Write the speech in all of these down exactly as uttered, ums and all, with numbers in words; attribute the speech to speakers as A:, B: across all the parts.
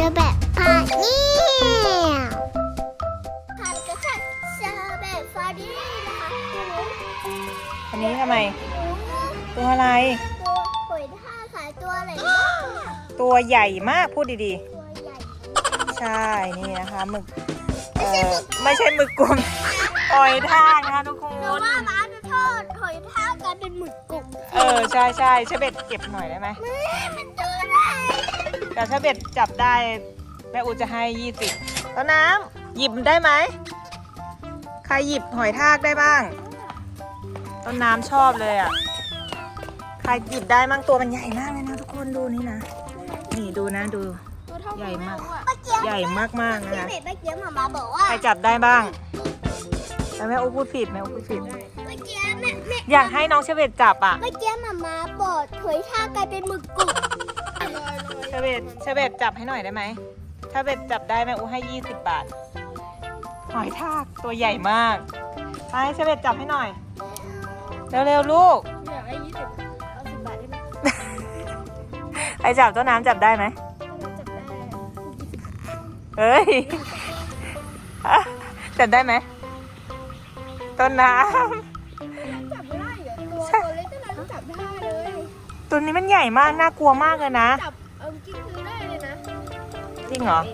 A: อแบบพาเนี่ยทานก็ค่ะเชอร์แบบฟาดี้นะคะ
B: อันนี้ทำไม ตัวอะไร
A: ตัวหอยทากขายตัวอะไรบ้าง
B: ตัวใหญ่มากพูดดี
A: ตัวใหญ่
B: ๆ ใช่นี่นะคะหมึกเอ่อไม่ใช่หมึกกลมหอยทากนะคะทุกค
A: หนู
B: น
A: ว่าม้าจะทอดหอยทากกลายเป็นหมึกกรุบ
B: เออใช่ใช่เชเบตเก็บหน่อยได้ไหม
A: แม่มันตัวอะไร
B: แต่เชเบตจับได้แม่อูจะให้ยี่สิบต้นน้ำหยิบได้ไหมใครหยิบหอยทากได้บ้างต้นน้ำชอบเลยอ่ะใครหยิบได้มั่งตัวมันใหญ่มากเลยนะทุกคนดูนี่นะนี่ดูนะดู
A: ตัวเท่า
B: ใหญ่มาก
A: เมื่อกี้
B: ใหญ่มากๆนะ
A: พี่
B: คะ
A: เบ็ดเมื่อกี้หมามาบอกว่า
B: ใครจับได้บ้างแต่แม่อูพูดผิดแม่อูพูดผิด
A: เมื่อกี้แม่แม่
B: อยากให้น้องเชเบตจับอ่ะ
A: เมื่อกี้หมามาบอกหอยทากกลายเป็นหมึกกรุบ
B: เชเบตเชเบตจับให้หน่อยได้ไหมถ้าเบตจับได้แม่อูให้ยี่สิบบาทหอยทากตัวใหญ่มากไปเชเบตจับให้หน่อยเร็วๆลูก
A: อยากได้ยี่สิบเอาสิบบาทได้ไหม
B: ใครจับต้นน้ำจับได้ไหม
A: จับได้
B: เอ้ย จับได้ไหมต้นน้
A: จับไม่ได้เหรอตัวตัวเล็กก็นั้นจับได้เลย
B: ำตัวนี้มันใหญ่มากน่ากลัวมากเลยนะ
A: จับเอาจริงคือได้เลยนะ
B: จริงเหรอ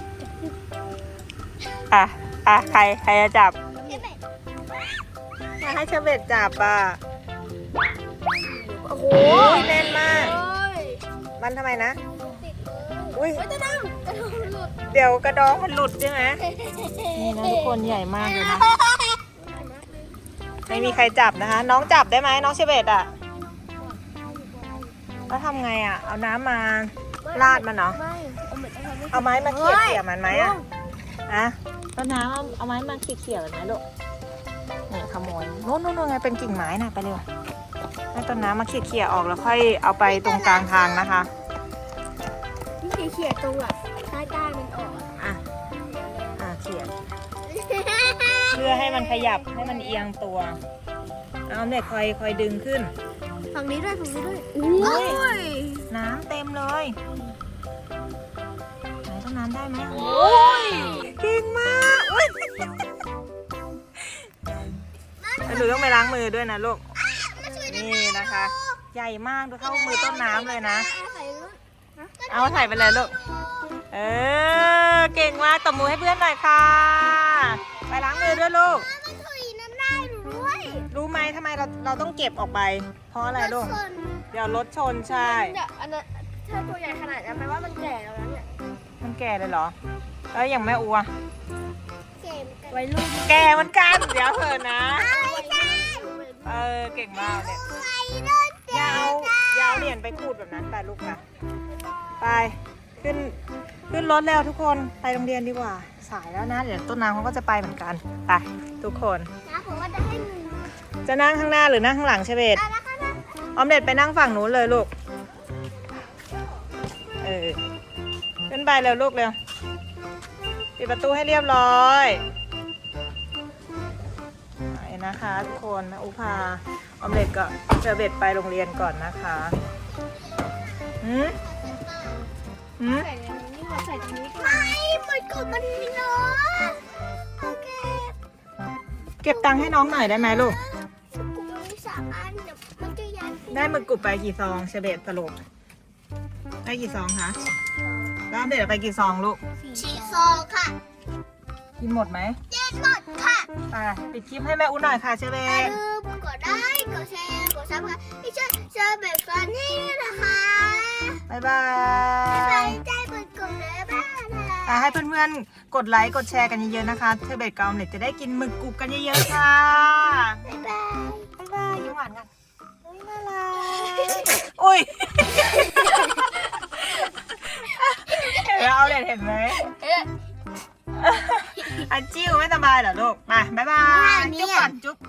B: อ่ะอ่ะใครใครจะจับ
A: เห็นไหม
B: มาให้เชเบตจับอ่ะ
A: โอ้โห
B: โอ้ยแน่นมาก
A: เอ้ย
B: มันทำไมนะ
A: ติดเลย
B: อุ้ย
A: เฮ้ยจะนั่งกระโดดหลุด
B: เดี๋ยวกระดองมันหลุดใช่ไหมนี่นะทุกคนใหญ่มากเลยนะ ไม่มีใครจับนะคะ น้องจับได้ไหมน้องเชเบตอ่ะแล้วทำไงอ่ะ เอาน้ำมาราดมันเนาะ
A: ไม่เอาเหมือนจะทำให้
B: เอาไม้มาเขี่ยเขี่ยมันไหมอ่ะอะต้นน้ำเอาเอาไม้มาเขี่ยเขี่ยมันไหมลูกนี่ขโมยโน่นโน่นโน่นไงเป็นกิ่งไม้น่ะไปเร็วให้ต้นน้ำมาเขี่ยเขี่ยออกแล้วค่อยเอาไปตรงกลางทางนะคะ
A: ที่เขี่ยๆตรงแบบใต้ก้านมันออกอะ
B: อ่ะอ่ะเขี่ยเพื่อให้มันขยับให้มันเอียงตัวเอาเนี่ยคอยคอยดึงขึ้น
A: ฝั่งนี้ด้วยฝั่งนี้ด้วย
B: อุ้ย น้ำเต็มเลยไหนต้นน้ำได้ไหมโอ้ยเก่งมากอุ้ยหนูต้องไปล้างมือด้วยนะลูกนี่นะคะ ใหญ่มากดูเข้ามือต้นน้ำเลยนะ เอาถ่ายไปเลยลูกเออเก่งมากตบมือให้เพื่อนหน่อยค่ะ ไปล้างมือด้วยลูก
A: มันถุยน้ำลายหนูด้วย
B: รู้ไหมทำไมเราเราต้องเก็บออกไป เพราะอะไรลูก
A: ส่วน
B: เดี๋ยวรถชนใช่
A: เนี่ยอันนั้นถ้าตัวใหญ่ขนาดนั้นแปลว่ามันแก่แล้วนะเนี่ย
B: มันแก่เลยเหรอแล้วอย่างแม่อัว
A: เกมวัยรุ่น
B: แก่เหมือนกันเดี๋ยวเถอะนะ
A: ไม่ใช่
B: เออเก่งมากเนี่ย
A: วัยรุ่น
B: อยาวยาวเหรียญไปขูดแบบนั้นไปลูกไปไปขึ้นขึ้นรถแล้วทุกคนไปโรงเรียนดีกว่าสายแล้วนะเดี๋ยวต้นน้ำเขาก็จะไปเหมือนกันไปทุกคน
A: นะผมว่าจะให้หนึ่ง
B: จะนั่งข้างหน้าหรือนั่งข้างหลังเชเบต
A: อ่ะแล้วก็นะ
B: ออมเด็ดไปนั่งฝั่งนู้นเลยลูกเออขึ้นไปเร็วลูกเร็วปิดประตูให้เรียบร้อยไปนะคะทุกคนแม่อุพาออมเด็ดก็เชเบตไปโรงเรียนก่อนนะคะหืมหืม
A: ใส่ในนี้ขอใส่ตรงนี้ก่อนไม่มันกดมันมีเนาะโอเค
B: เก็บตังค์ให้น้องหน่อยได้ไหมลูก
A: กูมีสามอันเดี๋ยวมันจะยัน
B: ได้หมึกกรุบไปกี่ซองเชเบตสรุปได้กี่ซองคะแล้วออมเด็ดเอาไปกี่ซองลูก
A: สี่ซองค่ะ
B: กินหมดไหม
A: เจ็ดหมดค่ะ
B: ไปปิดคลิปให้แม่อุ้นหน่อยค่ะเชเบ
A: อย่า
B: ต
A: ลืมกดไลค์กดแชร์กดซับสไครต์ให้ช่วยเชอร์แบบฟันนี่ด้วยนะคะ
B: บ๊ายบา
A: บ๊ายบาย
B: ย
A: ใจเปิดกลุ่มเลยบ้ายนะ
B: อ่ะให้เพื่อนๆ กดไลค์ กดแชร์กันเยอะๆ นะคะเทเบตกับออมเล็ตจะได้กินหมึกกรุบกันเยอะๆ ค่ะ
A: บ๊ายบาย
B: บ๊ายบายยิ้มหวานกันเฮ้ยน่ารักอุ้ยเห็นไหมเอาเล็ตเห็นไหมอันจิ้วไม่สบายเหรอลูก มาบ๊ายบาย จุ๊บก่อนจุ๊บ